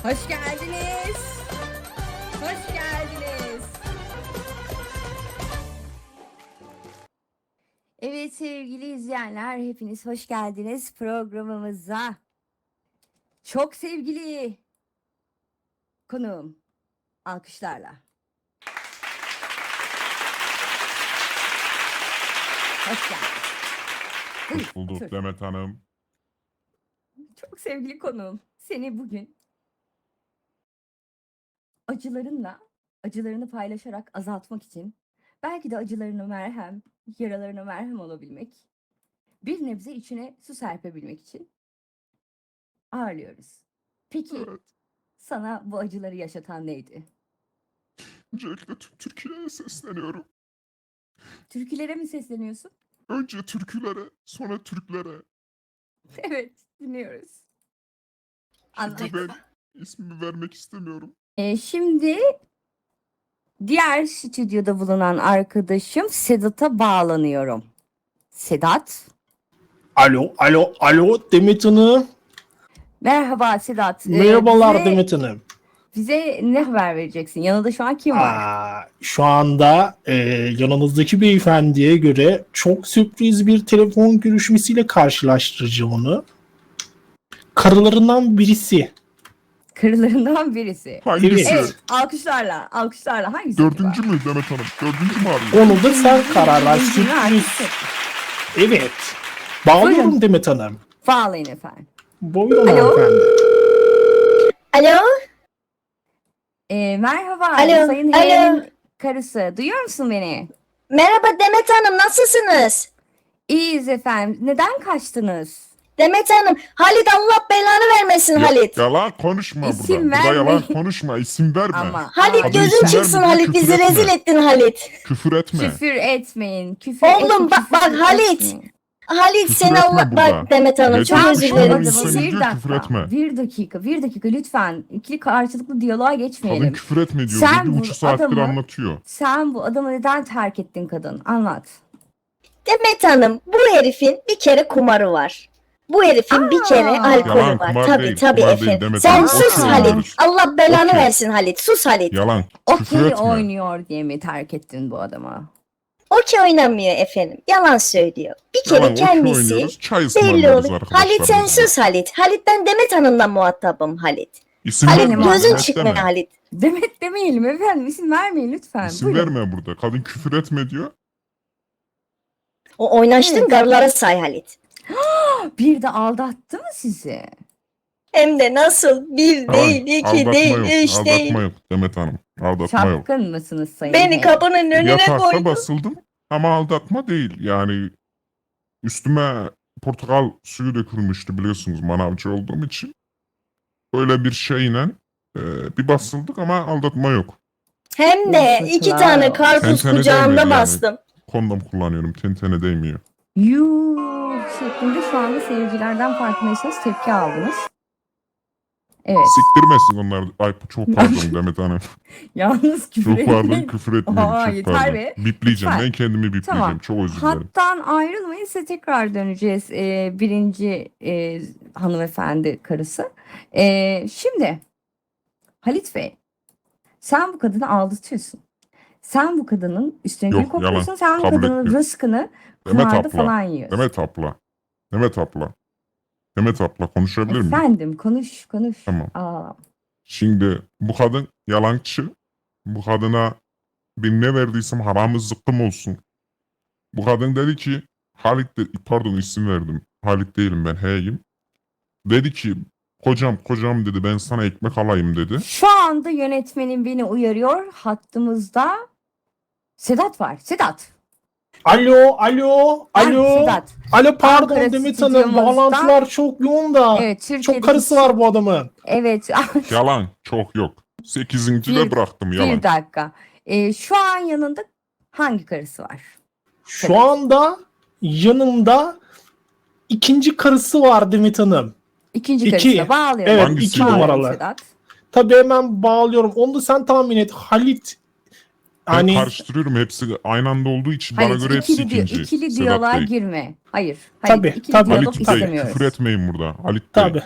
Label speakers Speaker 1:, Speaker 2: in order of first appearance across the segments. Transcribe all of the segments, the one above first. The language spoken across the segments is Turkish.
Speaker 1: Hoş geldiniz. Hoş geldiniz. Evet sevgili izleyenler, hepiniz hoş geldiniz programımıza. Çok sevgili konuğum, alkışlarla. Hoş geldiniz.
Speaker 2: Hoş bulduk
Speaker 1: Otur.
Speaker 2: Demet Hanım.
Speaker 1: Çok sevgili konuğum, seni bugün acılarını paylaşarak azaltmak için, belki de yaralarına merhem olabilmek, bir nebze içine su serpebilmek için ağırlıyoruz. Peki
Speaker 2: Evet.
Speaker 1: sana bu acıları yaşatan neydi?
Speaker 2: Öncelikle tüm Türkiye'ye sesleniyorum.
Speaker 1: Türkülere mi sesleniyorsun?
Speaker 2: Önce türkülere, sonra Türklere.
Speaker 1: Evet, dinliyoruz.
Speaker 2: Şimdi
Speaker 1: Anladım.
Speaker 2: ben ismimi vermek istemiyorum.
Speaker 1: Şimdi diğer stüdyoda bulunan arkadaşım Sedat'a bağlanıyorum. Sedat.
Speaker 3: Alo Demet Hanım.
Speaker 1: Merhaba Sedat.
Speaker 3: Merhabalar Demet Hanım.
Speaker 1: Bize ne haber vereceksin? Yanında şu an kim var?
Speaker 3: Şu anda yanınızdaki beyefendiye göre çok sürpriz bir telefon görüşmesiyle karşılaştıracağım onu. Karılarından birisi.
Speaker 1: Karılarından birisi.
Speaker 2: Hangisi?
Speaker 1: Evet, alkışlarla hangisi?
Speaker 2: Dördüncü
Speaker 1: acaba?
Speaker 2: mü Demet Hanım? Dördüncü mü arıyor?
Speaker 3: Onu da sen karar ver.
Speaker 1: Dördüncünü artık
Speaker 3: Sürpriz.
Speaker 1: seç.
Speaker 3: Evet. Bağlıyorum
Speaker 1: Buyurun.
Speaker 3: Demet Hanım.
Speaker 1: Bağlayın efendim.
Speaker 3: Buyurun
Speaker 1: Alo?
Speaker 3: hanımefendi.
Speaker 4: Alo,
Speaker 1: Merhaba
Speaker 4: Alo,
Speaker 1: Sayın
Speaker 4: alo.
Speaker 1: H'nin karısı. Duyuyor musun beni?
Speaker 4: merhaba Demet Hanım, nasılsınız?
Speaker 1: İyiyiz efendim. Neden kaçtınız?
Speaker 4: Demet Hanım, Halit Allah belanı vermesin Halit.
Speaker 2: Yalan konuşma
Speaker 1: İsim
Speaker 2: burada. Burada
Speaker 1: verme.
Speaker 2: yalan konuşma. İsim verme.
Speaker 1: Ama
Speaker 4: Halit
Speaker 2: Adı
Speaker 4: gözün
Speaker 2: isim
Speaker 4: çıksın
Speaker 2: verme,
Speaker 4: Halit,
Speaker 2: küfür
Speaker 4: bizi
Speaker 2: etme.
Speaker 4: rezil ettin Halit.
Speaker 2: Küfür etme.
Speaker 1: küfür etmeyin.
Speaker 4: Oğlum bak Halit. Halit
Speaker 2: Küfür
Speaker 4: seni
Speaker 2: etme
Speaker 4: Allah
Speaker 2: burada.
Speaker 4: bak Demet Hanım, çok
Speaker 2: Geçmiş
Speaker 4: özür
Speaker 2: olsun.
Speaker 4: dilerim.
Speaker 2: İnsan
Speaker 1: Bir
Speaker 2: diyor, küfür
Speaker 1: dakika,
Speaker 2: etme.
Speaker 1: bir dakika lütfen. İkili karşılıklı diyaloğa
Speaker 2: Kadın
Speaker 1: geçmeyelim.
Speaker 2: küfür etme diyor.
Speaker 1: Sen
Speaker 2: Bir
Speaker 1: bu
Speaker 2: buçuk saattir
Speaker 1: adamı-
Speaker 2: anlatıyor.
Speaker 1: Sen bu adamı neden terk ettin kadın? Anlat.
Speaker 4: Demet Hanım, bu herifin bir kere kumarı var. Bu herifin bir kere alkolü
Speaker 2: Yalan,
Speaker 4: var.
Speaker 2: kumar
Speaker 4: Tabii
Speaker 2: değil,
Speaker 4: tabii
Speaker 2: kumar değil
Speaker 4: efendim.
Speaker 2: Demet
Speaker 4: Sen
Speaker 2: Hanım.
Speaker 4: sus
Speaker 1: Okey
Speaker 4: Halit.
Speaker 2: oynuyoruz.
Speaker 4: Allah belanı
Speaker 2: Okey.
Speaker 4: versin Halit. Sus Halit.
Speaker 2: Yalan. Küfür
Speaker 1: Okey
Speaker 2: etme.
Speaker 1: oynuyor diye mi terk ettin bu adamı?
Speaker 4: Okey oynamıyor efendim. Yalan söylüyor. Bir kere
Speaker 2: Yalan, okey
Speaker 4: kendisi
Speaker 2: oynuyoruz. Çay
Speaker 4: belli
Speaker 2: ısmarlıyoruz
Speaker 4: olur.
Speaker 2: arkadaşlar.
Speaker 4: Halit sen
Speaker 2: biz de.
Speaker 4: sus Halit. Halit ben Demet Hanım'la muhatabım Halit.
Speaker 2: İsim
Speaker 4: Halit
Speaker 2: verme.
Speaker 4: gözün
Speaker 2: Demet
Speaker 4: çıkma
Speaker 2: deme.
Speaker 4: Halit.
Speaker 1: Demet demeyelim efendim. İsim vermeyin lütfen.
Speaker 2: İsim
Speaker 1: Buyurun.
Speaker 2: verme burada. Kadın küfür etme diyor.
Speaker 4: O oynaştın
Speaker 1: Evet.
Speaker 4: garlara say Halit.
Speaker 1: Bir de aldattı mı sizi?
Speaker 4: Hem de nasıl? Bir
Speaker 2: Yalan.
Speaker 4: değil, iki
Speaker 2: Aldatma
Speaker 4: değil,
Speaker 2: yok.
Speaker 4: üç
Speaker 2: Aldatma
Speaker 4: değil.
Speaker 2: yok Demet Hanım. Aldatma yok.
Speaker 1: Çapkın mısınız Sayın
Speaker 4: Beni
Speaker 1: H?
Speaker 4: kapının önüne
Speaker 2: Yatakta
Speaker 4: koydun.
Speaker 2: basıldım ama aldatma değil. Yani üstüme portakal suyu dökülmüştü biliyorsunuz manavcı olduğum için. Öyle bir şeyle bir basıldık ama aldatma yok.
Speaker 4: Hem de iki
Speaker 1: Yazıklar
Speaker 4: tane
Speaker 1: olsun.
Speaker 4: karpuz
Speaker 2: Tentene
Speaker 4: kucağımda
Speaker 2: değmiyor yani.
Speaker 4: bastım.
Speaker 2: Kondom kullanıyorum. Tentene değmiyor.
Speaker 1: Yuh şeklinde şu anda seyircilerden farkındaysanız tepki aldınız. Evet.
Speaker 2: Siktirmesin onlar. Ay çok pardon Demet Hanım.
Speaker 1: Yalnız küfür
Speaker 2: Çok pardon
Speaker 1: etmeyin.
Speaker 2: küfür etmiyorum.
Speaker 1: Aa,
Speaker 2: Çok
Speaker 1: yeter
Speaker 2: pardon.
Speaker 1: be.
Speaker 2: Bipleyeceğim.
Speaker 1: Lütfen.
Speaker 2: Ben kendimi bipleyeceğim.
Speaker 1: Tamam.
Speaker 2: Çok özür dilerim.
Speaker 1: Hattan ayrılmayın, size tekrar döneceğiz. Birinci hanımefendi karısı. Şimdi Halit Bey, sen bu kadını aldatıyorsun. Sen bu kadının üstüne
Speaker 2: Yok,
Speaker 1: gül kokuyorsun.
Speaker 2: yalan.
Speaker 1: Sen bu
Speaker 2: Kabul
Speaker 1: kadının
Speaker 2: etmiyorum.
Speaker 1: rızkını
Speaker 2: Demet
Speaker 1: kumarda
Speaker 2: abla.
Speaker 1: falan yiyorsun.
Speaker 2: Demet abla. Demet abla. Demet abla konuşabilir miyim?
Speaker 1: Efendim konuş.
Speaker 2: Tamam.
Speaker 1: Aa,
Speaker 2: Şimdi bu kadın yalancı. Bu kadına ben ne verdiysem haramı zıkkım olsun. Bu kadın dedi ki Halit de, pardon isim verdim. Halit değilim ben H'yim. Dedi ki kocam dedi ben sana ekmek alayım dedi.
Speaker 1: şu anda yönetmenim beni uyarıyor. Hattımızda Sedat var. Sedat.
Speaker 3: Alo.
Speaker 1: Sedat.
Speaker 3: Alo pardon
Speaker 1: Ankara
Speaker 3: Demet Hanım.
Speaker 1: stüdyomuzda-
Speaker 3: Bağlantılar çok yoğun da.
Speaker 1: Evet, Türkiye'deki
Speaker 3: Çok karısı var bu adamın.
Speaker 1: Evet.
Speaker 2: Yalan çok yok. 8. de
Speaker 1: Bir-
Speaker 2: bıraktım yalan.
Speaker 1: Bir dakika. Şu an yanında hangi karısı var?
Speaker 3: Şu anda yanımda ikinci karısı var Demet Hanım.
Speaker 1: İkinci
Speaker 3: İki.
Speaker 1: karısına bağlıyorum.
Speaker 3: Evet,
Speaker 2: Hangisi?
Speaker 3: 2
Speaker 1: Bağlıyorum
Speaker 3: numaralı.
Speaker 1: Sedat.
Speaker 3: Tabii hemen bağlıyorum. Onu da sen tahmin et. Halit.
Speaker 2: Ben
Speaker 3: Hani
Speaker 2: karıştırıyorum hepsi aynı anda olduğu için bana
Speaker 1: Hayır,
Speaker 2: göre hepsi
Speaker 1: ikili,
Speaker 2: ikinci.
Speaker 1: ikili
Speaker 2: Sedat
Speaker 1: diyaloğa
Speaker 2: değil.
Speaker 1: girme. Hayır. Hayır.
Speaker 3: Tabii,
Speaker 1: ikili
Speaker 3: tabii.
Speaker 1: diyalog
Speaker 2: Halit Bey
Speaker 1: istemiyoruz.
Speaker 2: küfür etmeyin burada. Halit Bey.
Speaker 3: tabii.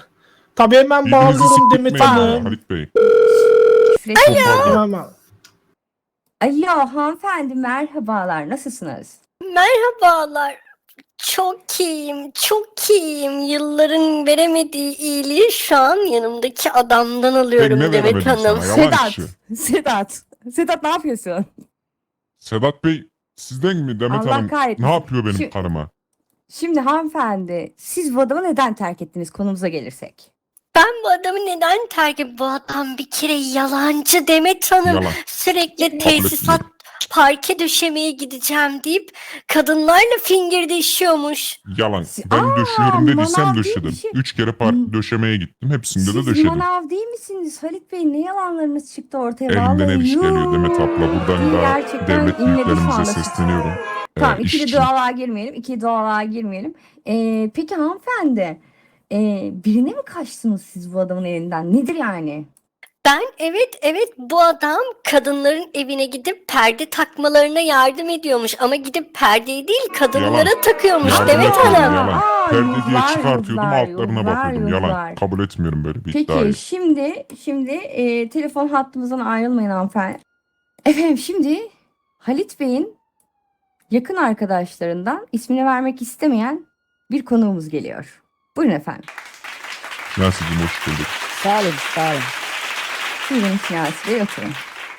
Speaker 3: Tabii hemen
Speaker 2: Birbirinizi
Speaker 3: bağlıyorum Demet
Speaker 2: siktirtmeyin ya
Speaker 3: Hanım.
Speaker 2: Halit Bey.
Speaker 1: Küfür
Speaker 2: Çok
Speaker 1: etmeyin.
Speaker 2: pardon.
Speaker 3: Hemen.
Speaker 1: Alo hanımefendi merhabalar nasılsınız?
Speaker 5: Merhabalar. Çok iyiyim, çok iyiyim. Yılların veremediği iyiliği şu an yanımdaki adamdan
Speaker 2: Ben
Speaker 5: alıyorum
Speaker 2: ne
Speaker 5: Demet
Speaker 2: veremedim
Speaker 5: Hanım.
Speaker 2: sana yalan
Speaker 1: Sedat.
Speaker 2: işi.
Speaker 1: Sedat ne yapıyorsun?
Speaker 2: Sedat Bey sizden mi Demet
Speaker 1: Allah
Speaker 2: Hanım?
Speaker 1: kahretmesin.
Speaker 2: Ne yapıyor benim
Speaker 1: Şu-
Speaker 2: karıma?
Speaker 1: Şimdi hanımefendi siz bu adamı neden terk ettiniz konumuza gelirsek?
Speaker 5: Ben bu adamı neden terk ettim? Bu adam bir kere yalancı Demet Hanım.
Speaker 2: Yalan.
Speaker 5: Sürekli
Speaker 2: Kabul
Speaker 5: tesisat
Speaker 2: etmiyorum.
Speaker 5: parke döşemeye gideceğim deyip kadınlarla fingirdeşiyormuş.
Speaker 2: Yalan.
Speaker 1: Si-
Speaker 2: Ben döşüyorum dediysem
Speaker 1: manav değil
Speaker 2: döşedim.
Speaker 1: bir şey.
Speaker 2: 3 kere
Speaker 1: Hmm.
Speaker 2: döşemeye gittim. Hepsinde de
Speaker 1: Siz
Speaker 2: döşedim.
Speaker 1: manav değil misiniz Halit Bey? Ne yalanlarınız çıktı ortaya?
Speaker 2: Elimden
Speaker 1: Vallahi
Speaker 2: ev iş geliyor
Speaker 1: yuh.
Speaker 2: Demet abla. Buradan da
Speaker 1: Gerçekten
Speaker 2: devlet
Speaker 1: inledi şu
Speaker 2: büyüklerimize
Speaker 1: anda.
Speaker 2: sesleniyorum.
Speaker 1: Tamam
Speaker 2: İş
Speaker 1: ikili
Speaker 2: için.
Speaker 1: dualığa girmeyelim. İkili dualığa girmeyelim. Peki hanımefendi birine mi kaçtınız siz bu adamın elinden? Nedir yani?
Speaker 5: Ben evet bu adam kadınların evine gidip perde takmalarına yardım ediyormuş ama gidip perdeyi değil kadınlara takıyormuş
Speaker 2: Yardım
Speaker 5: Demet
Speaker 2: etmedim,
Speaker 5: Hanım.
Speaker 2: yalan.
Speaker 1: Aa,
Speaker 2: Perde diye
Speaker 1: yıllar,
Speaker 2: çıkartıyordum
Speaker 1: yıllar,
Speaker 2: altlarına
Speaker 1: yıllar,
Speaker 2: bakıyordum. Yalan.
Speaker 1: yıllar.
Speaker 2: Kabul etmiyorum böyle bir
Speaker 1: Peki
Speaker 2: iddiayı.
Speaker 1: şimdi telefon hattımızdan ayrılmayın hanımefendi. Efendim şimdi Halit Bey'in yakın arkadaşlarından ismini vermek istemeyen bir konuğumuz geliyor. Buyurun efendim.
Speaker 2: Nasılsın hoş bulduk.
Speaker 6: Sağ olun, sağ olun.
Speaker 1: Buyurun Şinasi Bey oturun.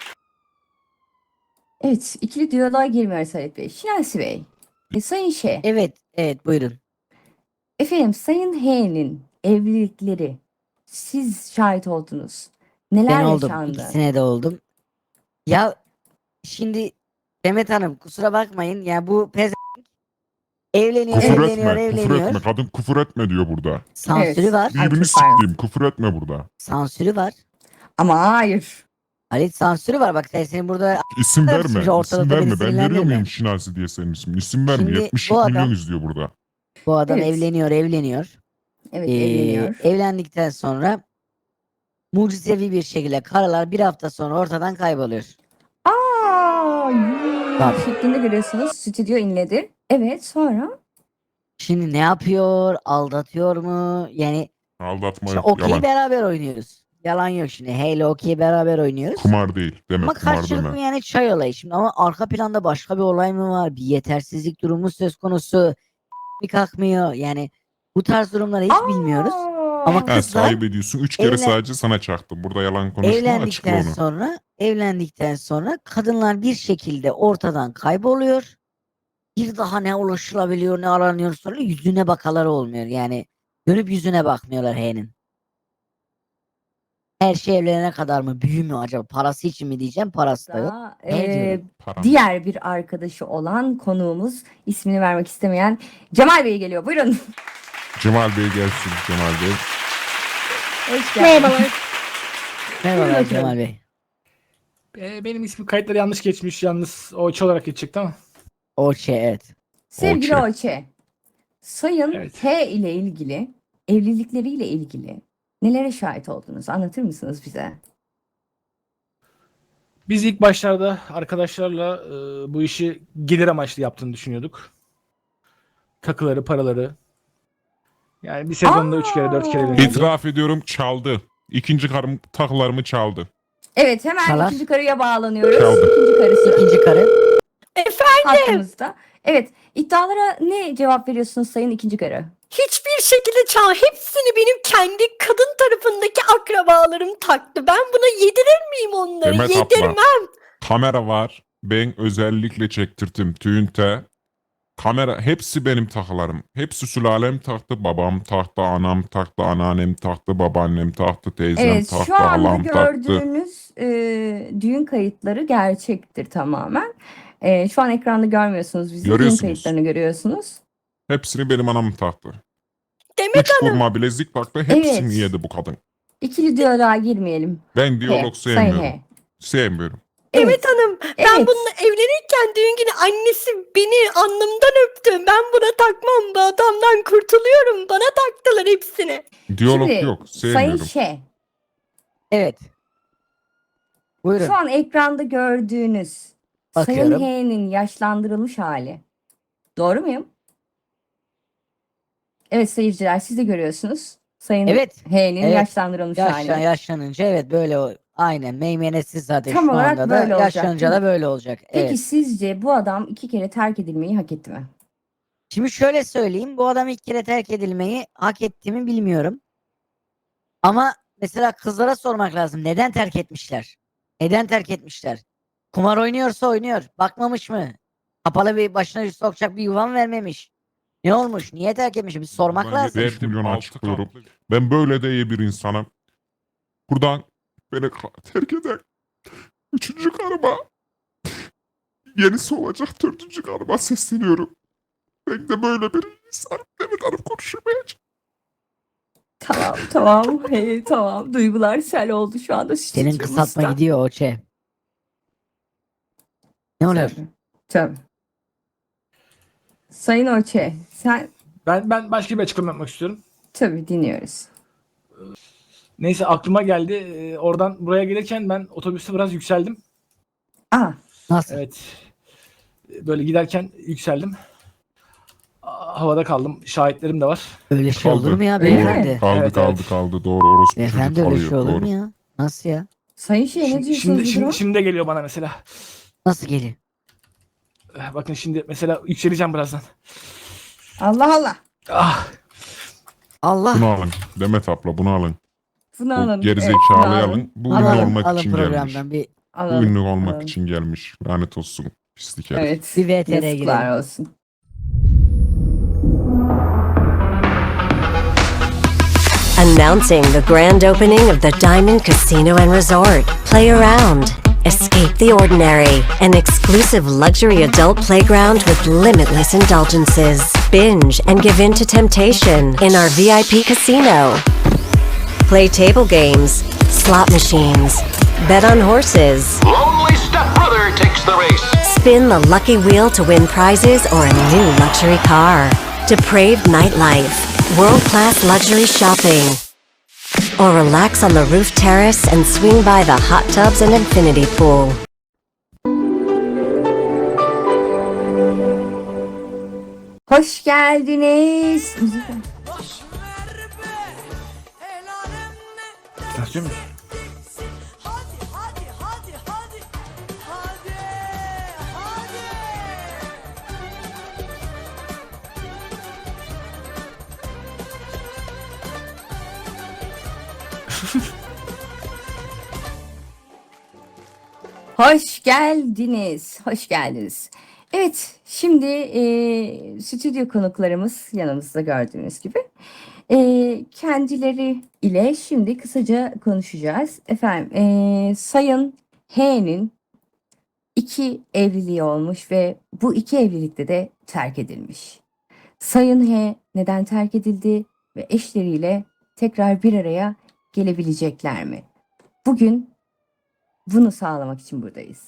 Speaker 1: Evet ikili diyaloğa girmiyoruz Halit Bey. Şinasi Bey. Sayın Ş.
Speaker 6: Evet, evet buyurun.
Speaker 1: Efendim Sayın H'nin evlilikleri siz şahit oldunuz. Neler
Speaker 6: Ben oldum,
Speaker 1: yaşandı?
Speaker 6: ikisine de oldum. Ya şimdi Demet Hanım kusura bakmayın ya bu evleniyor,
Speaker 2: Küfür
Speaker 6: evleniyor,
Speaker 2: etme. Küfür
Speaker 6: evleniyor.
Speaker 2: etme. Kadın küfür etme diyor burada.
Speaker 6: Sansürü
Speaker 1: Evet.
Speaker 6: var,
Speaker 1: Ay,
Speaker 2: Birbirini
Speaker 1: çok pardon.
Speaker 2: siktiğim. Küfür etme burada.
Speaker 6: sansürü var.
Speaker 1: Ama hayır.
Speaker 6: Halit sansürü var bak senin burada
Speaker 2: İsim
Speaker 6: Evet,
Speaker 2: verme.
Speaker 6: şimdi ortalıkta
Speaker 2: İsim
Speaker 6: beni
Speaker 2: verme. Ben veriyor
Speaker 6: sinirlendirme.
Speaker 2: muyum Şinasi diye senin ismini? İsim verme.
Speaker 6: Şimdi
Speaker 2: 70
Speaker 6: bu adam-
Speaker 2: milyon izliyor burada.
Speaker 6: bu adam
Speaker 1: Evet.
Speaker 6: evleniyor.
Speaker 1: Evet
Speaker 6: Ee,
Speaker 1: evleniyor.
Speaker 6: Evlendikten sonra mucizevi bir şekilde karılar bir hafta sonra ortadan kayboluyor. Tabii.
Speaker 1: Şeklinde görüyorsunuz. Stüdyo inledi. Evet sonra?
Speaker 6: Şimdi ne yapıyor? Aldatıyor mu? Yani
Speaker 2: Aldatma
Speaker 6: şimdi
Speaker 2: yok.
Speaker 6: okey
Speaker 2: Yalan.
Speaker 6: beraber oynuyoruz. Yalan yok şimdi. Halo okey beraber oynuyoruz.
Speaker 2: Kumar değil. Deme
Speaker 6: Ama
Speaker 2: kumar
Speaker 6: karşılıklı
Speaker 2: deme.
Speaker 6: yani çay olayı şimdi ama arka planda başka bir olay mı var? Bir yetersizlik durumu söz konusu. Bir kalkmıyor. Yani bu tarz durumları hiç bilmiyoruz. Ama
Speaker 1: Aa!
Speaker 2: Ha,
Speaker 6: kızlar
Speaker 2: sahip ediyorsun. 3 kere
Speaker 6: evlen-
Speaker 2: sadece sana çaktım. Burada yalan konuşma. Açıkla
Speaker 6: Evlendikten sonra kadınlar bir şekilde ortadan kayboluyor. Bir daha ne ulaşılabiliyor ne aranıyor sonra yüzüne bakaları olmuyor. Yani dönüp yüzüne bakmıyorlar H'nin. Her şey evlenene kadar mı? Büyü mü acaba? Parası için mi diyeceğim? Parası da yok.
Speaker 1: Da,
Speaker 6: Ne diyorum?
Speaker 2: Param.
Speaker 1: diğer bir arkadaşı olan konuğumuz ismini vermek istemeyen Cemal Bey geliyor. Buyurun.
Speaker 2: Cemal Bey gelsin. Cemal Bey.
Speaker 1: Hoş geldiniz.
Speaker 4: Merhabalar.
Speaker 6: Merhaba
Speaker 1: bakalım.
Speaker 6: Cemal Bey.
Speaker 3: Benim ismim kayıtları yanlış geçmiş. Yalnız o olarak geçecekti ama.
Speaker 6: O şey evet.
Speaker 1: Sevgili
Speaker 2: Oçe.
Speaker 1: Oçe. Sayın
Speaker 3: Evet.
Speaker 1: H ile ilgili, evlilikleriyle ilgili nelere şahit oldunuz? Anlatır mısınız bize?
Speaker 3: Biz ilk başlarda arkadaşlarla bu işi gelir amaçlı yaptığını düşünüyorduk. Takıları, paraları. Yani bir sezonda 3 kere 4 kere
Speaker 1: Aa!
Speaker 3: evleniyordu.
Speaker 2: İtiraf ediyorum çaldı. İkinci karım takılarımı çaldı.
Speaker 1: Evet hemen
Speaker 6: Çalar.
Speaker 1: ikinci karıya bağlanıyoruz.
Speaker 2: Çaldı.
Speaker 1: İkinci karısı
Speaker 6: İkinci karı.
Speaker 1: hattımızda. Evet iddialara ne cevap veriyorsunuz sayın ikinci karı?
Speaker 5: Hiçbir şekilde hepsini benim kendi kadın tarafındaki akrabalarım taktı. Ben buna yedirir miyim onları?
Speaker 2: Demet
Speaker 5: Yedirmem.
Speaker 2: abla. Kamera var. Ben özellikle çektirdim. Tüyünte. Kamera hepsi benim takılarım. Hepsi sülalem taktı. Babam taktı, anam taktı, anneannem taktı, babaannem taktı, teyzem
Speaker 1: Evet
Speaker 2: taktı,
Speaker 1: şu anda
Speaker 2: halam taktı.
Speaker 1: gördüğünüz düğün kayıtları gerçektir tamamen. Şu an ekranda görmüyorsunuz bizi. Düğün
Speaker 2: Görüyorsunuz.
Speaker 1: kayıtlarını görüyorsunuz.
Speaker 2: Hepsini benim anam taktı.
Speaker 5: Demet
Speaker 2: 3 vurma bilezik taktı. Hepsini
Speaker 1: Evet.
Speaker 2: yedi bu kadın.
Speaker 1: İkili diyaloğa girmeyelim.
Speaker 2: Ben diyalog
Speaker 1: Sayın
Speaker 2: sevmiyorum.
Speaker 1: H.
Speaker 2: Sevmiyorum.
Speaker 5: Demet Hanım ben
Speaker 1: Evet.
Speaker 5: bununla evlenirken düğün günü annesi beni alnımdan öptü. Ben buna takmam. Bu adamdan kurtuluyorum. Bana taktılar hepsini.
Speaker 2: Diyalog
Speaker 1: Şimdi,
Speaker 2: yok.
Speaker 1: Sayın
Speaker 2: Sevmiyorum.
Speaker 1: Ş.
Speaker 6: Evet. Buyurun.
Speaker 1: Şu an ekranda gördüğünüz Sayın
Speaker 6: Bakıyorum.
Speaker 1: H'nin yaşlandırılmış hali. Doğru muyum? Evet seyirciler siz de görüyorsunuz. Sayın
Speaker 6: Evet.
Speaker 1: H'nin
Speaker 6: Evet.
Speaker 1: yaşlandırılmış hali.
Speaker 6: Yaşlanınca evet böyle aynen meymenetsiz zaten
Speaker 1: Tam
Speaker 6: şu
Speaker 1: olarak
Speaker 6: anda da
Speaker 1: böyle olacak,
Speaker 6: yaşlanınca
Speaker 1: değil
Speaker 6: da
Speaker 1: mi?
Speaker 6: böyle olacak.
Speaker 1: Peki
Speaker 6: Evet.
Speaker 1: sizce bu adam 2 kere terk edilmeyi hak etti mi?
Speaker 6: Şimdi şöyle söyleyeyim, bu adam ilk kere terk edilmeyi hak etti mi bilmiyorum. Ama mesela kızlara sormak lazım. Neden terk etmişler? Neden terk etmişler? Kumar oynuyorsa oynuyor. Bakmamış mı? Kapalı bir başına sokacak bir yuvan vermemiş. Ne olmuş? Niye terk etmiş? Bir sormak
Speaker 2: Buradan
Speaker 6: lazım.
Speaker 2: 70 milyon açıklıyorum. Ben böyle de iyi bir insanım. Buradan beni terk eden 3. karıma, yenisi olacak 4. karıma sesleniyorum. Ben de böyle bir insanım. Demet Hanım konuşamayacak.
Speaker 1: Tamam. Hey, tamam. Duygular sel oldu şu anda
Speaker 6: Senin kısaltma
Speaker 1: stüdyomuzda.
Speaker 6: gidiyor Oçe. Ne oluyor?
Speaker 1: Tabii. Sayın Orçe, sen
Speaker 3: Ben başka bir açıklama yapmak istiyorum.
Speaker 1: tabii dinliyoruz.
Speaker 3: Neyse aklıma geldi. Oradan buraya gelirken ben otobüste biraz yükseldim.
Speaker 1: Aa,
Speaker 6: Nasıl?
Speaker 3: Evet. Böyle giderken yükseldim. Havada kaldım. Şahitlerim de var.
Speaker 6: Öyle şey olur mu ya
Speaker 1: Öyle mi?
Speaker 6: beyefendi?
Speaker 3: Evet, evet.
Speaker 2: Kaldı. Doğru, orospu çocuk
Speaker 6: Beyefendi öyle
Speaker 2: kalıyor.
Speaker 6: şey olur
Speaker 2: Doğru.
Speaker 6: mu ya? Nasıl ya?
Speaker 1: Sayın Şey ne diyorsunuz
Speaker 3: Şimdi,
Speaker 1: bu
Speaker 3: şimdi,
Speaker 1: duruma?
Speaker 3: şimdi de geliyor bana mesela.
Speaker 6: Nasıl geliyor?
Speaker 3: Bakın şimdi mesela yükseleceğim birazdan.
Speaker 1: Allah Allah.
Speaker 3: Ah,
Speaker 6: Allah.
Speaker 2: Bunu alın. Demet abla bunu alın.
Speaker 1: Bunu
Speaker 2: Bu
Speaker 1: alın. bunu
Speaker 2: gerizekalıyı alın. Bu ünlü
Speaker 6: Alın,
Speaker 2: olmak
Speaker 6: alın
Speaker 2: için gelmiş.
Speaker 6: programdan bir
Speaker 2: Bu
Speaker 1: Alalım.
Speaker 2: ünlü olmak
Speaker 1: alalım.
Speaker 2: için gelmiş. Lanet olsun. Pislik herif.
Speaker 1: Evet.
Speaker 6: Bir VTR'ye
Speaker 1: Yazıklar
Speaker 6: girelim.
Speaker 1: olsun.
Speaker 7: Announcing the grand opening of the Diamond Casino and Resort. Play around, escape the ordinary, an exclusive luxury adult playground with limitless indulgences. Binge and give in to temptation in our VIP casino. Play table games, slot machines, bet on horses,
Speaker 8: Lonely stepbrother takes the race.
Speaker 7: spin the lucky wheel to win prizes or a new luxury car. Depraved nightlife, world-class luxury shopping. Or relax on the roof terrace and swing by the hot tubs and infinity pool.
Speaker 1: Hoş geldiniz.
Speaker 3: istiyor musun?
Speaker 1: Hoş geldiniz. Hoş geldiniz. Evet, şimdi stüdyo konuklarımız yanımızda gördüğünüz gibi. Kendileri ile şimdi kısaca konuşacağız. Efendim, Sayın H'nin 2 evliliği olmuş ve bu 2 evlilikte de terk edilmiş. Sayın H neden terk edildi ve eşleriyle tekrar bir araya gelebilecekler mi? Bugün bunu sağlamak için buradayız.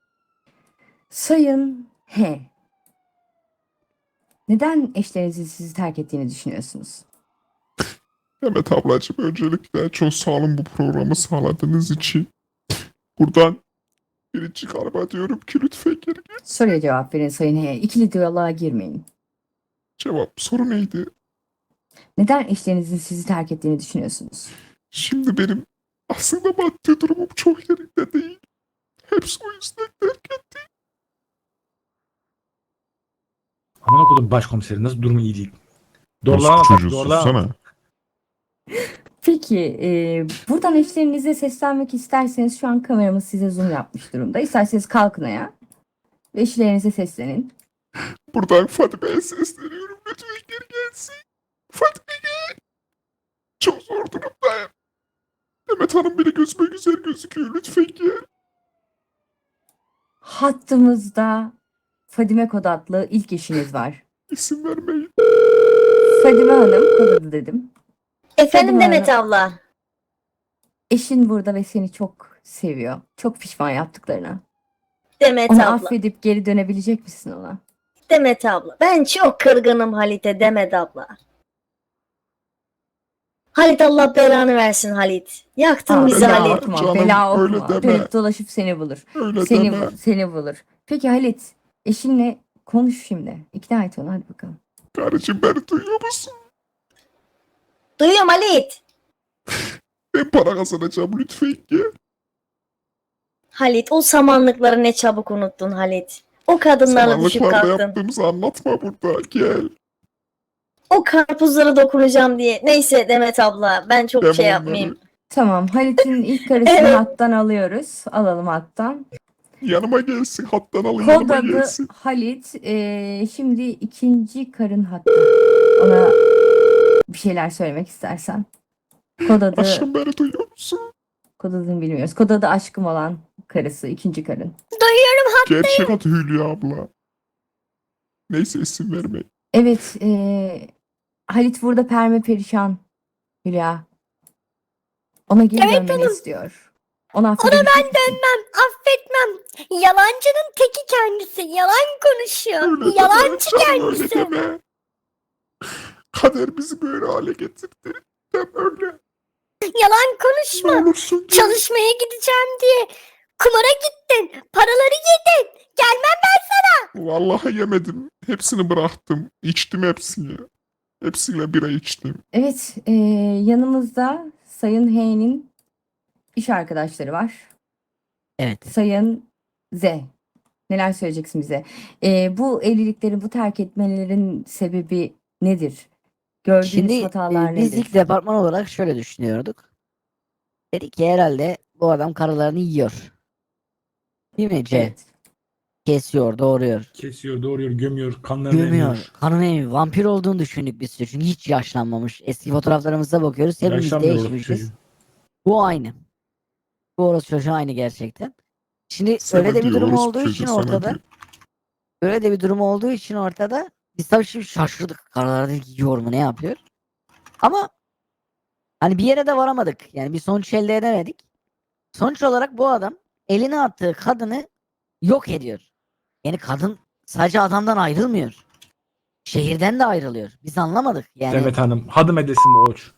Speaker 1: Sayın H. Neden eşlerinizin sizi terk ettiğini düşünüyorsunuz?
Speaker 2: Demet ablacığım öncelikle çok sağ olun bu programı sağladığınız için. Buradan 1. karıma diyorum ki lütfen geri gel.
Speaker 1: Soruya cevap verin Sayın H. İkili diyaloğa girmeyin.
Speaker 2: Soru neydi?
Speaker 1: Neden eşlerinizin sizi terk ettiğini düşünüyorsunuz?
Speaker 2: Şimdi benim aslında maddi durumum çok yerinde değil. Hepsi o yüzden terk etti.
Speaker 3: Amına kodum başkomiseri nasıl durumu iyi değil.
Speaker 2: Orospu
Speaker 3: Doğrulama bak,
Speaker 2: çocuğu
Speaker 3: doğrulama.
Speaker 2: sussana.
Speaker 1: Peki, buradan eşlerinize seslenmek isterseniz şu an kameramız size zoom yapmış durumda. İsterseniz kalkın ayağa ve eşlerinize seslenin.
Speaker 2: Buradan Fatime'ye sesleniyorum. Lütfen geri gelsin. Fatime gel. Çok zor durumdayım. Demet Hanım bile gözüme güzel gözüküyor. Lütfen gel.
Speaker 1: Hattımızda Fadime Kod adlı ilk eşiniz var.
Speaker 2: İsim vermeyin.
Speaker 1: Fadime Hanım, kod adı dedim.
Speaker 4: Efendim
Speaker 1: Fadime
Speaker 4: Demet
Speaker 1: Hanım.
Speaker 4: abla.
Speaker 1: Eşin burada ve seni çok seviyor. Çok pişman yaptıklarına.
Speaker 4: Demet
Speaker 1: Onu
Speaker 4: abla.
Speaker 1: affedip geri dönebilecek misin ona?
Speaker 4: Demet abla. Ben çok kırgınım Halit'e Demet abla. Halit Allah belanı versin Halit. Yaktın
Speaker 1: Aa,
Speaker 4: bizi
Speaker 1: bela
Speaker 4: Halit.
Speaker 1: okuma,
Speaker 2: Canım,
Speaker 1: bela
Speaker 2: öyle
Speaker 1: okuma.
Speaker 2: deme.
Speaker 1: Dönüp dolaşıp seni bulur.
Speaker 2: Öyle
Speaker 1: Seni,
Speaker 2: deme.
Speaker 1: seni bulur. Peki Halit, eşinle konuş şimdi. İkna et onu, hadi bakalım.
Speaker 2: Karıcığım beni duyuyor musun?
Speaker 4: Duyuyorum Halit.
Speaker 2: Ben para kazanacağım lütfen gel.
Speaker 4: Halit o samanlıkları ne çabuk unuttun Halit. O kadınlarla düşüp
Speaker 2: Samanlıklarda
Speaker 4: kalktın.
Speaker 2: yaptığımızı anlatma burada. Gel.
Speaker 4: O karpuzlara dokunacağım diye. Neyse Demet abla ben çok
Speaker 2: Ben
Speaker 4: şey
Speaker 2: onları-
Speaker 4: yapmayayım.
Speaker 1: Tamam, Halit'in ilk karısını
Speaker 4: Evet.
Speaker 1: hattan alıyoruz. Alalım hattan.
Speaker 2: Yanıma gelsin. Hattan alın
Speaker 1: Kod
Speaker 2: yanıma
Speaker 1: adı
Speaker 2: gelsin.
Speaker 1: Halit. Şimdi ikinci karın hattı. Ona bir şeyler söylemek istersen. Kod adı,
Speaker 2: Aşkım beni duyuyor musun?
Speaker 1: kod adını bilmiyoruz. Kod adı aşkım olan karısı, ikinci karın.
Speaker 5: Duyuyorum
Speaker 2: Gerçek adı Hülya abla. Neyse isim verme.
Speaker 1: Evet, Halit burada perme perişan Hülya. Ona geri
Speaker 5: Evet
Speaker 1: dönmeni
Speaker 5: hanım.
Speaker 1: istiyor. Onu
Speaker 5: Ona
Speaker 1: affedebilecek
Speaker 5: ben
Speaker 1: misin?
Speaker 5: dönmem, affetmem. Yalancının teki kendisi. Yalan konuşuyor.
Speaker 2: Öyle
Speaker 5: Yalancı
Speaker 2: deme canım, öyle
Speaker 5: kendisi.
Speaker 2: deme. Kader bizi böyle hale getirdi. Deme öyle.
Speaker 5: Yalan
Speaker 2: Ne
Speaker 5: konuşma.
Speaker 2: olursun gel.
Speaker 5: Çalışmaya gideceğim diye kumara gittin. Paraları yedin. Gelmem ben.
Speaker 2: Vallahi yemedim. Hepsini bıraktım. İçtim hepsini. Hepsiyle bira içtim.
Speaker 1: Evet, yanımızda Sayın H'nin iş arkadaşları var.
Speaker 6: Evet.
Speaker 1: Sayın Z. Neler söyleyeceksin bize? Bu evlilikleri, bu terk etmelerin sebebi nedir? Gördüğünüz
Speaker 6: Şimdi
Speaker 1: hatalar
Speaker 6: biz
Speaker 1: nedir?
Speaker 6: ilk departman olarak şöyle düşünüyorduk. Dedik ki herhalde bu adam karılarını yiyor. Değil mi C?
Speaker 1: Evet.
Speaker 6: Kesiyor, doğuruyor.
Speaker 3: Kesiyor, doğuruyor, gömüyor, kanlarını
Speaker 6: Gömüyor.
Speaker 3: emiyor.
Speaker 6: Kanını emiyor. Vampir olduğunu düşündük biz. Çünkü hiç yaşlanmamış. Eski fotoğraflarımıza bakıyoruz. Hepimiz
Speaker 3: Yaşlanmıyor orası
Speaker 6: değişmişiz.
Speaker 3: çocuğu.
Speaker 6: Bu aynı. Bu orası çocuğu aynı gerçekten. Şimdi
Speaker 2: Sana
Speaker 6: öyle de bir
Speaker 2: diyor,
Speaker 6: durum
Speaker 2: orospu
Speaker 6: olduğu
Speaker 2: çocuğu
Speaker 6: için
Speaker 2: sana
Speaker 6: ortada.
Speaker 2: diyor.
Speaker 6: Öyle de bir durum olduğu için ortada. Biz tabii şimdi şaşırdık. Karılar dedik yiyor mu ne yapıyor? Ama hani bir yere de varamadık. Yani bir sonuç elde edemedik. Sonuç olarak bu adam eline attığı kadını yok ediyor. Yani kadın sadece adamdan ayrılmıyor. Şehirden de ayrılıyor. Biz anlamadık. Yani
Speaker 3: Demet Hanım, hadım edesin bu oç.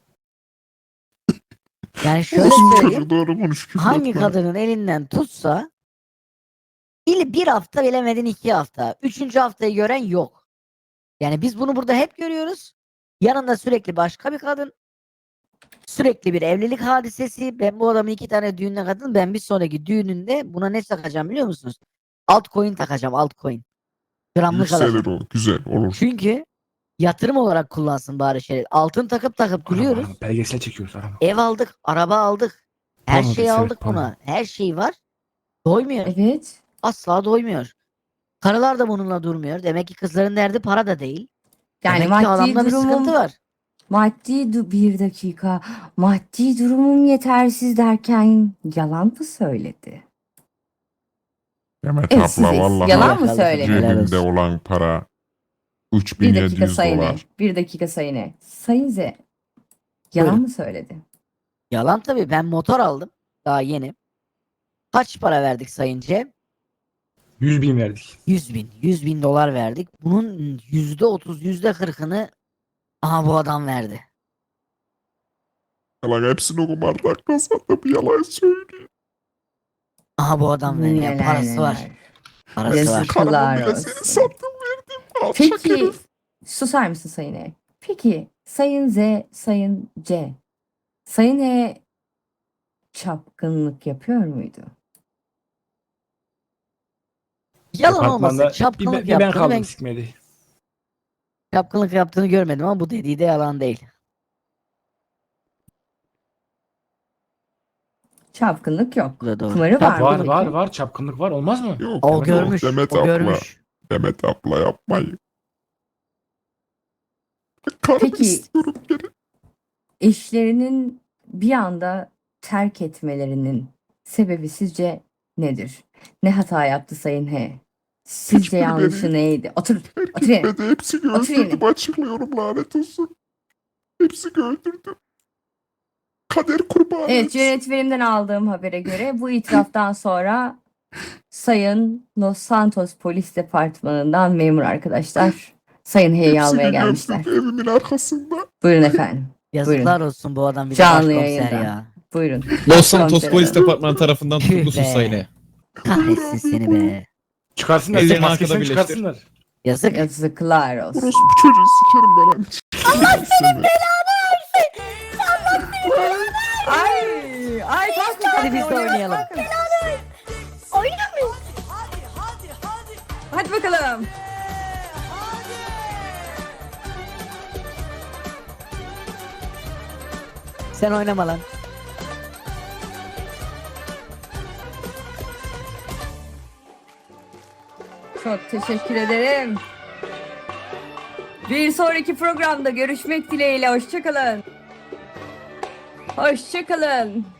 Speaker 6: yani şöyle
Speaker 2: Orospu
Speaker 6: söyleyeyim.
Speaker 2: çocuğu doğru konuş. küfür
Speaker 6: Hangi
Speaker 2: etme.
Speaker 6: kadının elinden tutsa bir hafta bilemedin 2 hafta. 3. haftayı gören yok. Yani biz bunu burada hep görüyoruz. Yanında sürekli başka bir kadın. Sürekli bir evlilik hadisesi. Ben bu adamın 2 tane düğününe katıldım. Ben bir sonraki düğününde buna ne takacağım biliyor musunuz? Altcoin takacağım, altcoin. Gramlık
Speaker 2: Yükselir
Speaker 6: alacağım.
Speaker 2: o. Güzel olur.
Speaker 6: Çünkü yatırım olarak kullansın bari şey. Altın takıp duruyoruz.
Speaker 3: Arama, belgesel çekiyoruz arama.
Speaker 6: Ev aldık, araba aldık. Her
Speaker 3: Porno
Speaker 6: şeyi
Speaker 3: dizisi,
Speaker 6: aldık
Speaker 3: porno.
Speaker 6: buna. Her şey var. Doymuyor.
Speaker 1: Evet.
Speaker 6: Asla doymuyor. Karılar da bununla durmuyor. Demek ki kızların derdi para da değil.
Speaker 1: Yani
Speaker 6: Demek ki
Speaker 1: maddi
Speaker 6: adamda bir sıkıntı
Speaker 1: durumum,
Speaker 6: var.
Speaker 1: bir dakika. Maddi durumum yetersiz derken yalan mı söyledi?
Speaker 2: Demet
Speaker 1: Evet,
Speaker 2: abla
Speaker 1: siz
Speaker 2: vallahi
Speaker 1: yalan mı
Speaker 6: Helal
Speaker 1: söyledi?
Speaker 6: olsun.
Speaker 2: cebimde olan para
Speaker 1: Bir dakika
Speaker 2: 3700
Speaker 1: Sayın E.
Speaker 2: dolar.
Speaker 1: Bir dakika Sayın E. Sayın Z. Yalan
Speaker 6: Buyurun.
Speaker 1: mı söyledi?
Speaker 6: Yalan tabii. Ben motor aldım. Daha yeni. Kaç para verdik Sayın Cem?
Speaker 3: 100.000 verdik.
Speaker 6: 100 bin. 100 bin dolar verdik. Bunun %30, %40'ını aha bu adam verdi.
Speaker 2: Yalan hepsini kumardan kazandım. Yalan söylüyor.
Speaker 6: Aha bu adam verdi. Yani
Speaker 1: Neler
Speaker 6: parası var.
Speaker 1: neler.
Speaker 6: Parası
Speaker 1: Yazık.
Speaker 6: var.
Speaker 2: Karımı bile
Speaker 1: olsun.
Speaker 2: seni sattım verdim. Alçak
Speaker 1: Peki
Speaker 2: herif.
Speaker 1: susar mısın Sayın E? Peki Sayın Z, Sayın C. Sayın E çapkınlık yapıyor muydu?
Speaker 6: Yalan olmasın.
Speaker 3: Apartmanda
Speaker 6: Çapkınlık
Speaker 3: bir ben
Speaker 6: yaptığını
Speaker 3: kaldım
Speaker 6: ben
Speaker 3: sikmedi.
Speaker 6: çapkınlık yaptığını görmedim ama bu dediği de yalan değil.
Speaker 1: Çapkınlık yok.
Speaker 6: Bu da doğru.
Speaker 1: Kumarı var mı?
Speaker 3: Var
Speaker 1: peki?
Speaker 3: var çapkınlık var olmaz mı?
Speaker 2: Yok,
Speaker 6: O
Speaker 2: yok,
Speaker 6: görmüş.
Speaker 2: Demet
Speaker 6: O
Speaker 2: abla.
Speaker 6: görmüş.
Speaker 2: Demet abla yapmayın. Karımı
Speaker 1: Peki.
Speaker 2: istiyorum geri.
Speaker 1: Eşlerinin bir anda terk etmelerinin sebebi sizce nedir? Ne hata yaptı Sayın H? Sizce
Speaker 2: Hiçbiri
Speaker 1: yanlışı
Speaker 2: beni-
Speaker 1: neydi? Otur.
Speaker 2: Terk
Speaker 1: Otur yerine.
Speaker 2: etmedi. Hepsini
Speaker 1: Otur yerine.
Speaker 2: öldürdüm. Açıklıyorum lanet olsun. Hepsini öldürdüm. Kader kurbanı.
Speaker 1: Evet,
Speaker 2: hepsi.
Speaker 1: yönetmenimden aldığım habere göre bu itiraftan sonra Sayın Los Santos Polis Departmanı'ndan memur arkadaşlar Sayın H'yi almaya
Speaker 2: Hepsini
Speaker 1: gelmişler.
Speaker 2: gömdüm evimin arkasında.
Speaker 1: Buyurun efendim.
Speaker 6: Yazıklar olsun bu adam bir de
Speaker 1: Canlı
Speaker 6: başkomiser
Speaker 1: yayında.
Speaker 6: ya.
Speaker 1: Buyurun.
Speaker 9: Los Santos
Speaker 1: Komiserim.
Speaker 9: Polis Departmanı tarafından
Speaker 6: Tüh
Speaker 9: tutuklusun
Speaker 6: be.
Speaker 9: Sayın E.
Speaker 6: Kahretsin seni be.
Speaker 3: Çıkarsınlar.
Speaker 9: Ellerini
Speaker 3: Maskesini
Speaker 9: arkada birleştir.
Speaker 3: çıkarsınlar.
Speaker 6: Yazık.
Speaker 1: Yazıklar olsun.
Speaker 2: Orospu çocuğu sikerim ben. Allah senin belanı
Speaker 6: Hadi biz de oynayalım.
Speaker 5: Oynamayın.
Speaker 1: Hadi bakalım.
Speaker 6: Sen oynama lan.
Speaker 1: Çok teşekkür ederim. Bir sonraki programda görüşmek dileğiyle. Hoşça kalın. Hoşça kalın.